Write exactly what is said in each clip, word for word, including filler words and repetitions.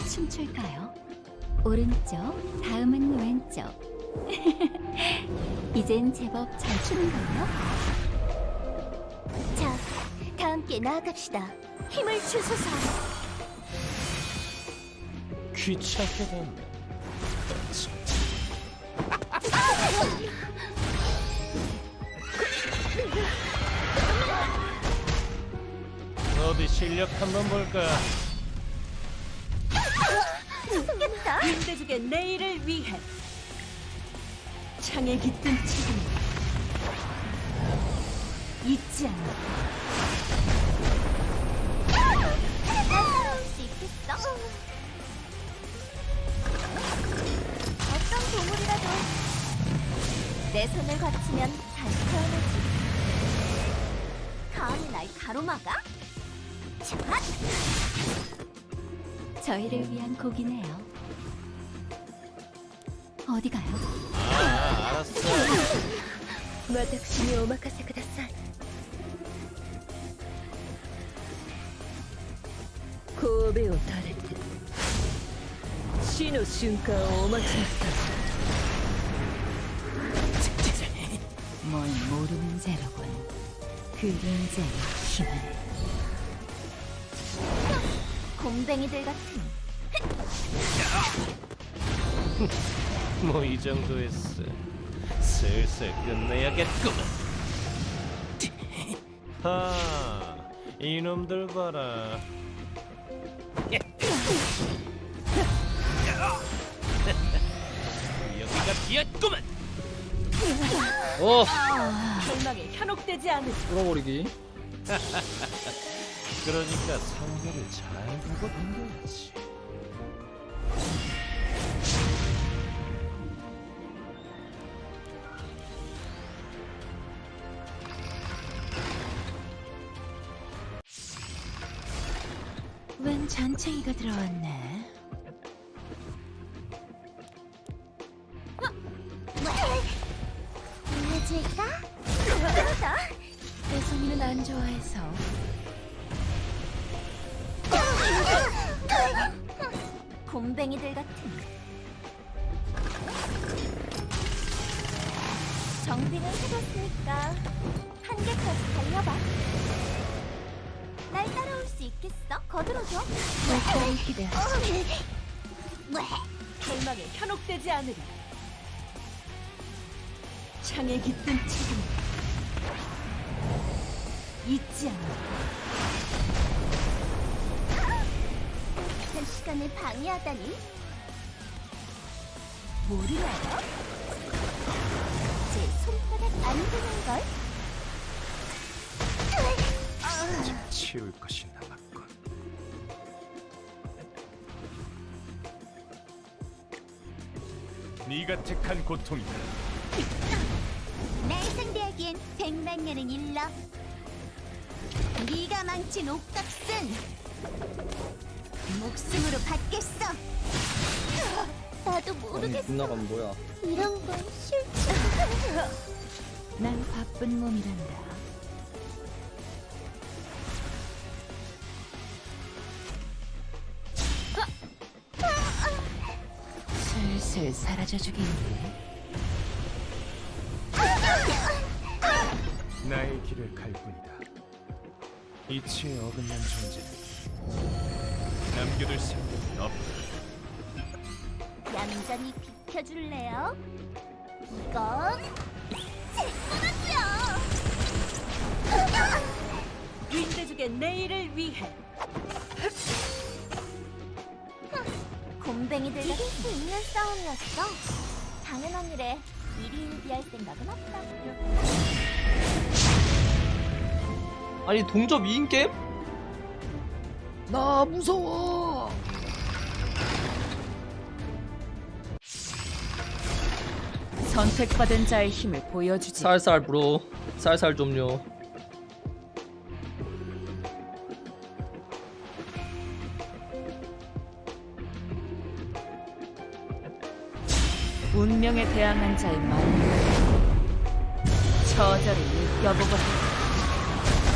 춤출까요? 오른쪽, 다음은 왼쪽. 이젠 제법 잘 추는걸요? 자, 다 함께 나아갑시다. 힘을 주소서. 귀찮게 된다. 어디 실력 한번 볼까? 숨겠다. 윤대중의 내일을 위해 창에 깃든 책임 잊지 않아. 날 따라올 수 있겠어? 어떤 보물이라도 내 손을 거치면 다시 태어나지. 감히 날 가로막아? 자, 저희를 위한 곡이네요. 어디 가요? 아, 알았어. 私にお任せください。 神戸を垂れて死の瞬間をお待ちなさい。 뭘 모르는 죄로군. 그림자의 힘을. 곰뱅이들 같은. 뭐 이 정도였어. 슬슬 끝내야겠구만. 하, 이놈들 봐라. 여기가 비었구만. 어! 절망에 현혹되지 않으리. 뚫어버리기. 그러니까 상대를 잘 보고 던져야지. 웬 잔챙이가 들어왔네. 보여줄까? 그러다. 혜성이는 안 좋아해서. 곰뱅이들 같은. 정비는 해뒀으니까 한계까지 달려봐. 날 따라올 수 있겠어? 거들어줘. 물결을 기대하지. 절망에 현혹되지 않으리. 창에 깃든 책임 잊지 않아. 한 시간을 방해하다니. 모르나요? 제 손바닥 안 되는걸? 치울 것이 남았군. 네가 택한 고통이다. 날 상대하기엔 백만 년은 일러. 네가 망친 옥값은 목숨으로 받겠어. 나도 아니 모르겠어. 빗나가면 뭐야? 이런 건 싫지. 난 바쁜 몸이란다. 슬슬 사라져주겠네. 나의 길을 갈 뿐이다. 이치에 어긋난 존재는 남겨둘 생각은 없다. 얌전히 비켜줄래요? 이건 제 거라고요. 윤대중의 내일을 위해 곰뱅이들 이길 수 있는 싸움이었어. 당연한 일에 일희일비할 생각은 없다고요. 아니 동접 이 인 게임? 나 무서워. 선택받은 자의 힘을 보여주지. 살살 브로. 살살 좀요. 운명에 대항한 자의 마음. 처절히 느껴보고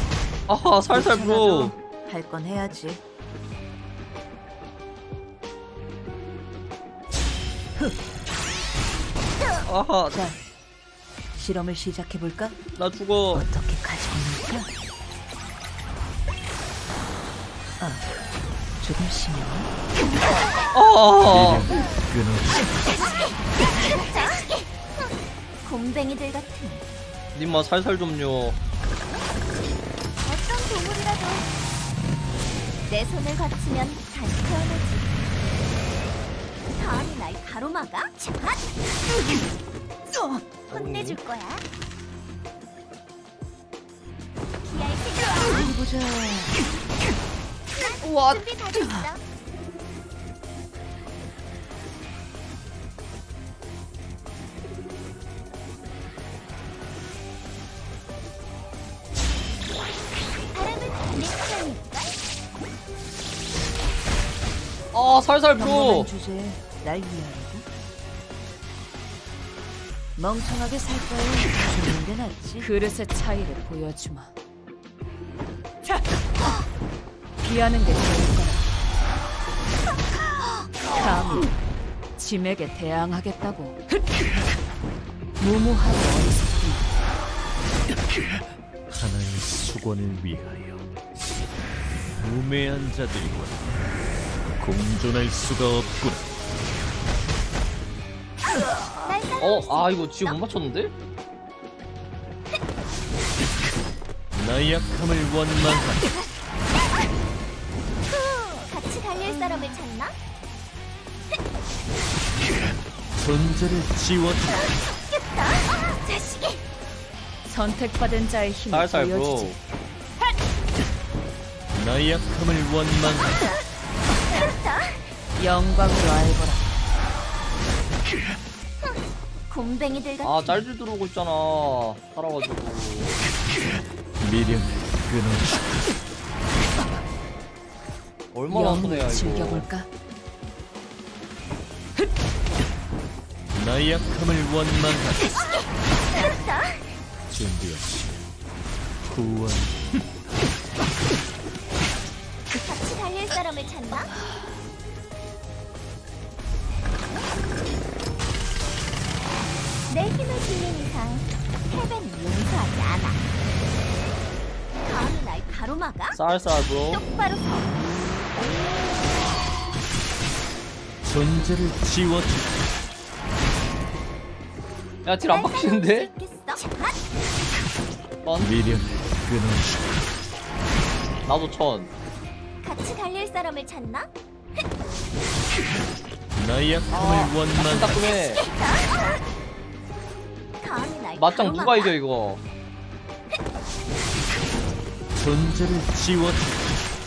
아하 살살 브로. 할 건 해야지. 아하, 자, 실험을 시작해 볼까? 나 죽어. 어떻게 가지고 놀까? 아, 조금 심해. 아, 곰뱅이들 같은 님마 살살 좀요. 어떤 동물이라도 내 손을 거치면 다시 태어나지. 다음이 날 가로막아? 자, 혼내줄 거야. 기아의 세계와 어디 보자. 우와. 준비 다 됐어. 바람은 내 시간일까? 아, 살살 평범한 줘. 주제에 날 위하라고? 멍청하게 살 바에 죽는 게 낫지. 그릇의 차이를 보여주마. 자, 피하는 게 좋을 거야. 감히 짐에게 대항하겠다고. 무모하고 어리석군. 하나의 수건을 위하여 우매한 자들과 공존할 수가 없구나. 날 따라올 어, 수 아, 이거 있겠어? 지금 못 맞췄는데? 나약함을 원망하라. 같이 달릴 사람을 찾나? 존재를 지워주라. 겠다 자식이. 선택받은 자의 힘을 살살 브로. 보여주지. 나약함을 원망하라. 영광으로 알거라. 곰뱅이들 같은 아, 짤줄 들어오고 있잖아. 살아가지고. 미련을 끊어주라. 얼마나 손해야, 영웅을 이거. 즐겨볼까? 나약함을 원망하라. 준비하시. 구원. 같이 달릴 사람을 찾나? 내 힘을 빌린 이상 패배는 용서하지 않아. 감히 날 가로막아? 쌀쌀 브로. 똑바로 서. 존재를 지워주라. 야, 딜 안 날 박히는데? 따라올 수 있겠어? 자, 천? 미련을 끊어주라. 나도 천. 같이 달릴 사람을 찾나? 나약함을 아, 원망하라. 따끔해. 감히 날 맞짱 누가 가로막아? 이겨, 이거? 존재를 지워주라.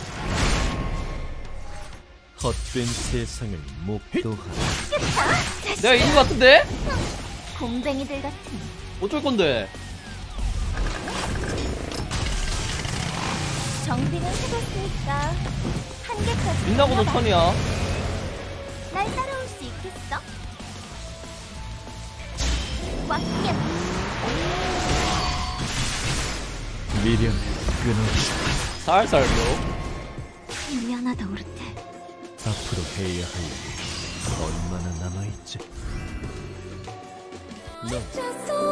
헛된 세상을 목도하라. 내가 이긴 것 같은데? 곰뱅이들 같은 어쩔 건데? 정비는 해뒀으니까 한계까지 민나고도 올라가. 천이야. 날 따라올 수 있겠어? 꽉 끼어. 미련을 끊어주라. 살살 브로. 미안하다 오르테. 앞으로 해야 할 일이 얼마나 남아있지? 너